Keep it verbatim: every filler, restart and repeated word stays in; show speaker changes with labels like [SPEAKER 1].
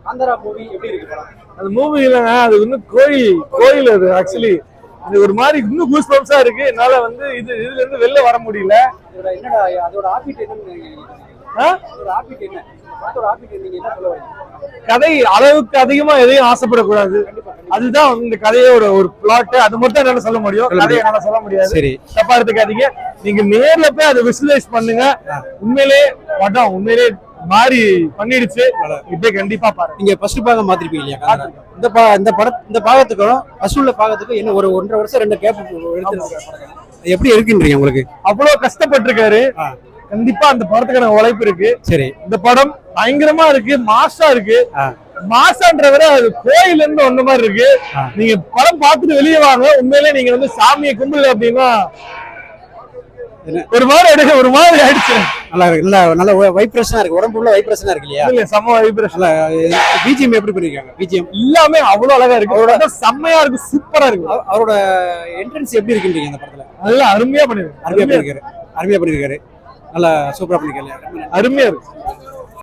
[SPEAKER 1] Kantara movie எப்படி இருக்கு படம்?
[SPEAKER 2] அந்த மூவி இல்லைங்க, அது வந்து கோயில் கோயில் அது ஆக்சுவலி இது ஒரு மாதிரி இன்னும் கூஸ் பம்ப்ஸா இருக்கு. என்னால வந்து இது இதுல இருந்து வெளில வர முடியல.
[SPEAKER 1] இதோட என்னடா அதோட ஆபிட் என்னன்னு அதோட ஆபிட் என்ன அதோட ஆபிட் நீங்க என்ன சொல்ல வரீங்க?
[SPEAKER 2] கதை அளவுக்கு அதிகமா எதையும் ஆசைப்படக்கூடாது, அதுதான் இந்த கதையோட ஒரு பிளாட். அது மட்டும் என்னால சொல்ல முடியும், கதையை என்னால சொல்ல முடியாது.
[SPEAKER 1] சரி,
[SPEAKER 2] தப்பா எடுத்துக்காதீங்க. நீங்க நேர்ல போய் அதை விசுவலைஸ் பண்ணுங்க. உண்மையிலே படம் உண்மையிலே மாறி பண்ணிடுச்சு. இப்ப கண்டிப்பா பாருங்க.
[SPEAKER 1] நீங்க ஃபர்ஸ்ட் பாகம் மாத்திருப்பீங்க இல்லையா? இந்த பா இந்த படம் இந்த பாகத்துக்கும் அசூல்ல பாகத்துக்கும் என்ன ஒரு ஒன்றரை வருஷம் ரெண்டு கேப் எடுத்து எப்படி இருக்குன்றீங்க உங்களுக்கு?
[SPEAKER 2] அவ்வளவு கஷ்டப்பட்டிருக்காரு. கண்டிப்பா அந்த படத்துக்கான உழைப்பு இருக்கு.
[SPEAKER 1] சரி,
[SPEAKER 2] இந்த படம் பயங்கரமா இருக்கு, மாசா இருக்கு. மாசான்ற விட அது கோயில இருந்து ஒண்ணு மாதிரி இருக்கு. நீங்க படம் பார்த்துட்டு வெளியே வாங்க. உண்மையிலே நீங்க வந்து சாமியை கும்பிடல அப்படின்னா ஒரு மாதிரி எடுக்க ஒரு மாதிரி ஆயிடுச்சு.
[SPEAKER 1] நல்லா இருக்கு, நல்லா நல்ல வைப்ரேஷனா இருக்கு, உடம்பு உள்ள வைப்ரேஷனா இருக்கு இல்லையா?
[SPEAKER 2] இல்ல செம்ம வைப்ரேஷன்.
[SPEAKER 1] பிஜிஎம் எப்படி பண்ணிருக்காங்க? பிஜிஎம்
[SPEAKER 2] எல்லாமே அவ்வளவு அழகா இருக்கு, அவரோட செம்மையா இருக்கு, சூப்பரா இருக்கு.
[SPEAKER 1] அவரோட என்ட்ரன்ஸ் எப்படி இருக்குன்றீங்க அந்த படத்துல?
[SPEAKER 2] நல்லா அருமையா பண்ணிருக்காரு,
[SPEAKER 1] அருமையா பண்ணிருக்காரு, அருமையா பண்ணிருக்காரு, நல்லா சூப்பரா பண்ணிருக்காரு,
[SPEAKER 2] அருமையா இருக்கு.